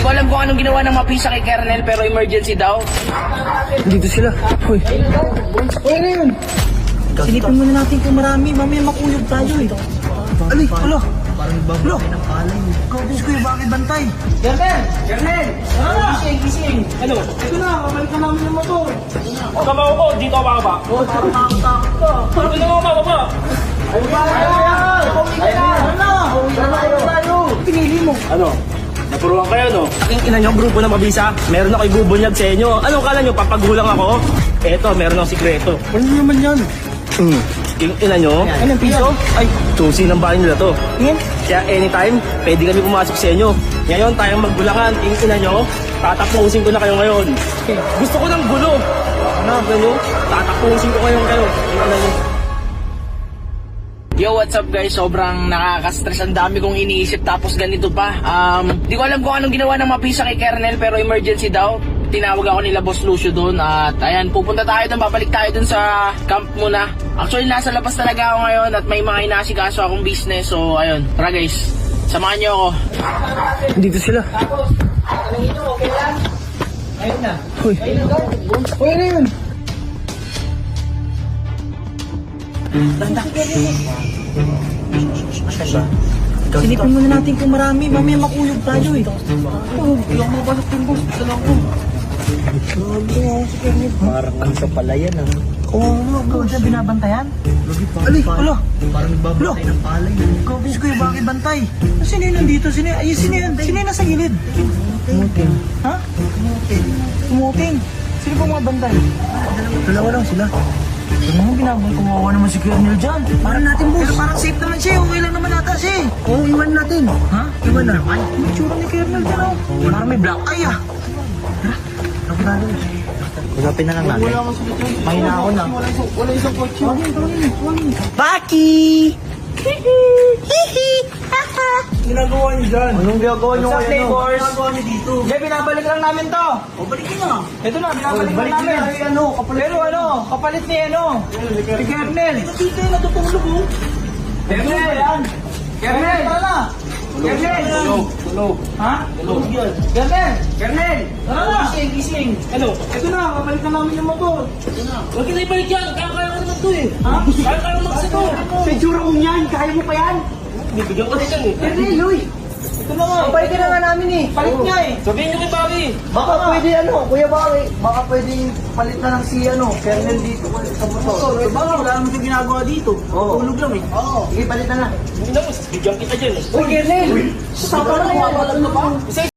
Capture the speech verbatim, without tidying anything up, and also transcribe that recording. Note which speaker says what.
Speaker 1: ko alam kung anong ginawa ng mapisa kay Kernel pero emergency daw.
Speaker 2: Dito sila. Hoy. Hoy, ano yun?
Speaker 3: Silipin muna natin kung marami, mamaya makuyog tayo eh.
Speaker 2: Ali, alo.
Speaker 3: Parang ibabaw ng palay.
Speaker 2: Kabis ko yung bakit bantay.
Speaker 1: Kernel! Kernel!
Speaker 3: Ano?
Speaker 1: Gising, gising! Ano?
Speaker 3: Ito na, kabalik na namin yung motor.
Speaker 1: Kabaw ko, dito ako bababa.
Speaker 3: Oh, parang takot-takot ka.
Speaker 1: Dito na ako bababa.
Speaker 3: Ay, ba? Ay, ano? Uwi na tayo. Tayo. Pinili mo.
Speaker 1: Ano? Napuruan kayo, no? Aking ina nyo, grupo ng mabisa. Meron ako ibubunyag sa inyo. Anong kala nyo, papagulang ako? Eto, meron akong sikreto.
Speaker 2: Ano naman yan?
Speaker 1: Hmm. Yung ina nyo,
Speaker 3: Anong piso?
Speaker 1: ay, susi ng bahay nila to.
Speaker 3: Tingin.
Speaker 1: Kaya anytime, pwede kami pumasok sa inyo. Ngayon, tayong magbulangan. Yung ina nyo, tatapusin ko na kayo ngayon. Gusto ko ng gulo. Ano, ganyo? Tatapusin ko kayo kayo. Yung ina nyo. Yo, what's up guys? Sobrang nakaka-stress. Ang dami kong iniisip tapos ganito pa. Um, di ko alam kung anong ginawa ng mapisa kay Kernel pero emergency daw. Tinawag ako nila Boss Lucio doon at ayan, pupunta tayo doon, babalik tayo doon sa camp muna. Actually, nasa labas talaga ako ngayon at may mga inasikaso akong business. So, ayun. Tara guys, samahan niyo ako.
Speaker 2: Dito sila.
Speaker 3: Tapos, anong ito, okay lang? Ayun na.
Speaker 2: Hoy.
Speaker 3: Ayun na daw.
Speaker 2: Hoy, ano yun?
Speaker 3: Banda. Silipin muna natin kung marami, mamaya makuyog tayo eh.
Speaker 2: Oh, hindi ako mapasok yung boss. Dala ko.
Speaker 3: Parang ang sa palayan ah.
Speaker 2: Oo, ano?
Speaker 3: Ikaw siya binabantayan?
Speaker 2: Ali, alo.
Speaker 3: Parang ibabatay ng palay.
Speaker 2: Kabis ko yung bakit bantay. Sino yun nandito? Sino yun? Ay, sino yun? Sino yun nasa gilid?
Speaker 3: Tumuting.
Speaker 2: Ha? Tumuting. Tumuting. Sino pa mga bantay? Dalawa lang sila. Ano mo ginagawa? Kumawa naman si Kernel dyan. Parang natin, boss. Pero parang safe naman siya. Okay lang naman ata siya. Oo, oh, iwan natin. Ha? Iwan na. Ay, may tsura ni Kernel dyan, oh. Parang may black eye, ah. Tara. Ako tayo.
Speaker 3: Usapin na lang natin. Mahina ako na.
Speaker 2: Wala isang kotse. Tawagin, tawagin, tawagin.
Speaker 3: Baki!
Speaker 2: Ginagawa niyo dyan.
Speaker 3: Anong ginagawa nyo
Speaker 2: Sa
Speaker 3: ngayon?
Speaker 2: flavors.
Speaker 3: Ginagawa nyo dito?
Speaker 2: Hindi, binabalik lang namin to.
Speaker 3: O, balikin na.
Speaker 2: Ito na, binabalik
Speaker 3: Oh, balik
Speaker 2: lang namin.
Speaker 3: na. Ay, ano, kapalit
Speaker 2: Pero ano, kapalit ni ano? Si Kernel.
Speaker 3: Dito yung natutulog oh.
Speaker 2: Kernel, yan. Kernel, tara na. Kernel.
Speaker 1: Tulog, tulog.
Speaker 2: Ha?
Speaker 1: Tulog yan.
Speaker 2: Kernel. Kernel. Tara na.
Speaker 1: Gising, gising. Ano?
Speaker 2: Ito na, kapalik na namin yung motor.
Speaker 1: Huwag kita ibalik yan. Kaya-kaya ko naman to eh.
Speaker 2: Ha?
Speaker 1: Kaya-kaya ko magsito.
Speaker 2: Sa itsura kong yan, kaya mo pa yan?
Speaker 1: Bibigyan ko din yan eh.
Speaker 2: Kernel, uy. Ito na nga.
Speaker 3: Kapalitin na nga namin eh.
Speaker 2: Palit niya eh.
Speaker 1: Sabihin nyo kay Bobby.
Speaker 3: Baka pwede ano, Kuya Baki, baka pwede palit na lang si ano, Kernel dito sa motor.
Speaker 2: Eh, baka wala naman yung ginagawa dito.
Speaker 3: Oo.
Speaker 2: Tulog lang eh.
Speaker 3: Oo. Sige, palit na lang.
Speaker 1: Hindi na mo, bigyan kita dyan eh.
Speaker 2: Uy, Kernel.
Speaker 3: Sa parang
Speaker 2: Wala ka pa?
Speaker 1: Isa